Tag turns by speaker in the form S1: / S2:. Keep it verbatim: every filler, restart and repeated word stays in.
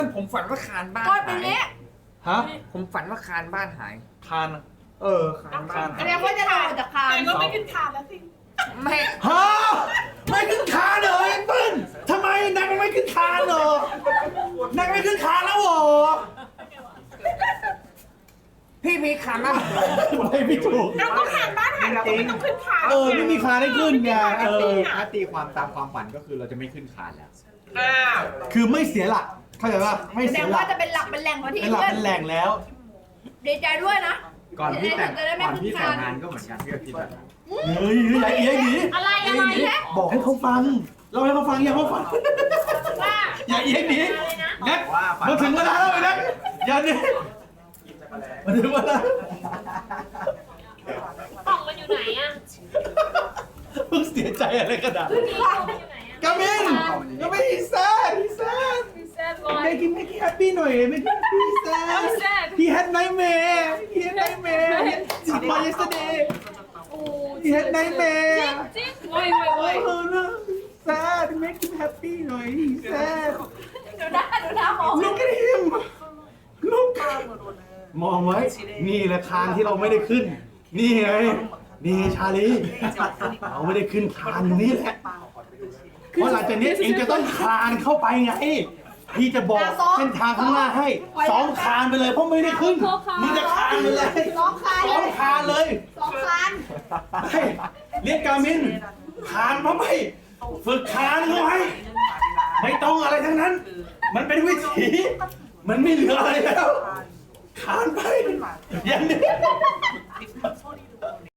S1: ผมฝันว่าคานบ้าน
S2: ก็
S1: หา
S2: เป็น
S1: ย
S2: เนี้ย
S3: ฮะ
S1: ผมฝันว่าคานบ้านหาย
S3: คานเออ
S1: คานบ้าน
S2: แส
S1: หาย
S2: ดงว่าจะทำออกจากคาน
S4: แต่ก็ไม่ขึ้นคานแล้วสิ
S1: ไม่
S3: ฮะไม่ขึ้นคานเหรอไอ้เปิ้ลทำไมนางไม่ขึ้นคานเหรอนางไม่ขึ้นคานแล้วเหรอ
S1: พี่มีคานบ้านหาย
S3: ไม่ไม่ถูก
S4: เราก็คานบ้านหายเราก็ไม่ต้องขึ้นคาน
S3: เออไม่มีคานให้ขึ้นไงเออ
S5: ถ้าตีความตามความฝันก็คือเราจะไม่ขึ้นคานแล้ว
S4: อ้าว
S3: คือไม่เสียหลักเข้าใจป่ะไม่
S2: แสด
S3: เสีย
S2: ง
S3: หลั
S2: ว่าก จะเป็นหลักเป็นแหล่งของที่
S3: เป็นหลัก
S2: เพื่อน
S3: เป็นแหล่งแล้ว
S2: ดีใจด้วยนะ
S5: ก่อนที่แต่ง
S2: จะได้ไม่
S5: ก่อน
S2: ขึ้น
S5: ที่แต่
S2: คาง น
S5: งานก็เหมือนกันพี่ก็คิดแบบนั้น
S3: เฮ้ยอย่าเอียหนี
S2: อะไรอะไรแค่
S3: บอกให้เขาฟังเราให้เขาฟังอย่าเขาฟัง
S2: ว่า
S3: อย่าเอียหนีงั้น
S5: ว่าฝัน
S3: มาถึงเวลาแล้วไอ้นักอย่าหนีมาถึงเวลา
S6: กล่องมันอยู่ไหนอะ
S3: เพิ่งเสียใจอะไรขนาด
S6: กล่องมันอยู่ไหนอะ
S3: กามินกามินอีซ่าอีซ่า
S6: พี่แซดบอย
S3: make him make him happy หน่อย make him happy อีซ่า
S6: sad
S3: he had nightmare he had nightmare he had yesterday
S6: โอ้
S3: he had nightmare
S6: จริงโว้ยโว้ยโว้ย
S3: oh no sad make him happy หน่อย he sad
S2: ดูหน้าดูหน้ามอง
S3: look at him look มองไว้ นี่แหละคานที่เราไม่ได้ขึ้น นี่ไง นี่ชาลีเราไม่ได้ขึ้นคานตรงนี้แหละ เพราะหลังจากนี้เองจะต้องคานเข้าไปไง พี่จะบอกเส้นทางข้างหน้าให้ซ้อมคานไปเลยเพราะไม่ได้ขึ้นมึงจะคานไปเลย
S2: สองคาน
S3: ซ้อมคานเลย
S2: สองคาน
S3: เฮ้ยเรียกกามินคานมาไปฝึกคานเขาให้ไม่ต้องอะไรทั้งนั้น มันเป็นวิถีมันไม่เหลืออะไรแล้วคานไปอย่างนี้